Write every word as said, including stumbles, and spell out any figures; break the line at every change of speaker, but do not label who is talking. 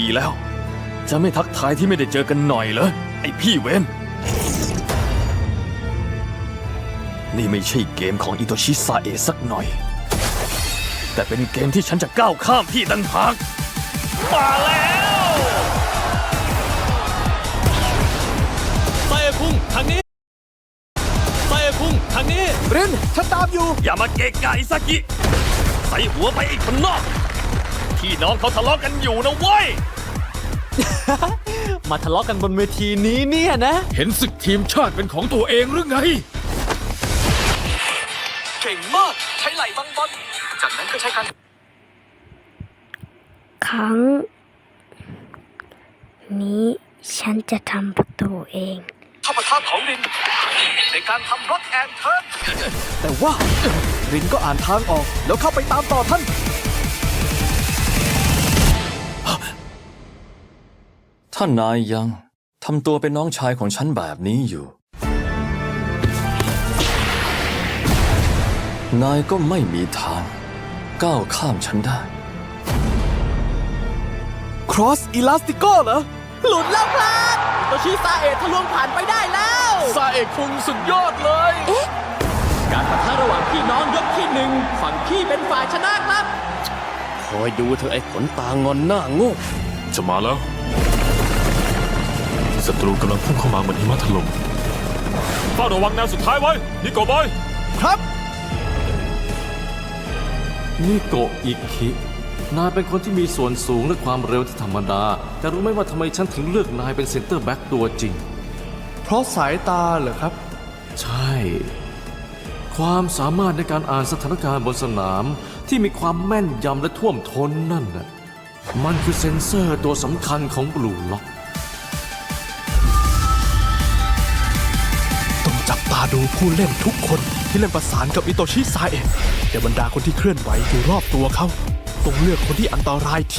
ทีแล้ว จะไม่ทักทายที่ไม่ได้เจอกันหน่อยเหรอไอพี่เวนนี่ไม่ใช่เกมของอิโตชิซาเอะสักหน่อยแต่เป็นเกมที่ฉันจะก้าวข้ามพี่ต่างหากมาแล้ว
ไซเอพุ่งทางนี้ไซเอพุ่งทางนี้
รินฉันตามอยู่
อย่ามาเกะกะอิซากิใส่หัวไปอีกคนนอกพี่น้องเขาทะเลาะกันอยู่นะเว้ย
มาทะเลาะกันบนเวทีนี้เนี่ยนะ
เห็นศึกทีมชาติเป็นของตัวเองหรือไง
เก่งมากใช้ไหล่บังบอลจากนั้นก็ใช้การ
ครั้งนี้ฉันจะทำประตูเอง
เข้าปะทะของรินในการทำบล็อกแอนเทิร์น
แต่ว่ารินก็อ่านทางออกแล้วเข้าไปตามต่อท่าน
ท่านนายยังทำตัวเป็นน้องชายของฉันแบบนี้อยู่นายก็ไม่มีทางก้าวข้ามฉันได้
Cross Elastico เหรอ
หลุดแล้วครับโตชิซาเอะทะลวงผ่านไปได้แล้ว
ซาเอะคุงสุดยอดเลย
การปะทะระหว่างพี่น้องยกที่หนึ่งฝั่งพี่เป็นฝ่ายชนะครับ
คอยดูเธอไอ้ขนตางอนหน้าโง่
จะมาแล้วศัตรูกำลังพุ่งเข้ามาเหมือนหิมะถล่มเฝ้าระวังแนวสุดท้ายไว้นิโกะบอย
ครับ
นิโกะอิคินายเป็นคนที่มีส่วนสูงและความเร็วที่ธรรมดาแต่รู้ไหมว่าทำไมฉันถึงเลือกนายเป็นเซนเตอร์แบ็กตัวจริง
เพราะสายตาเหรอครับ
ใช่ความสามารถในการอ่านสถานการณ์บนสนามที่มีความแม่นยำและท่วมท้นนั่นน่ะมันคือเซ็นเซอร์ตัวสำคัญของบลูล็อก
ต้องจับตาดูผู้เล่นทุกคนที่เล่นประสานกับอิโตชิซาเอะแต่บรรดาคนที่เคลื่อนไหวอยู่รอบตัวเขาต้องเลือกคนที่อันตรายที่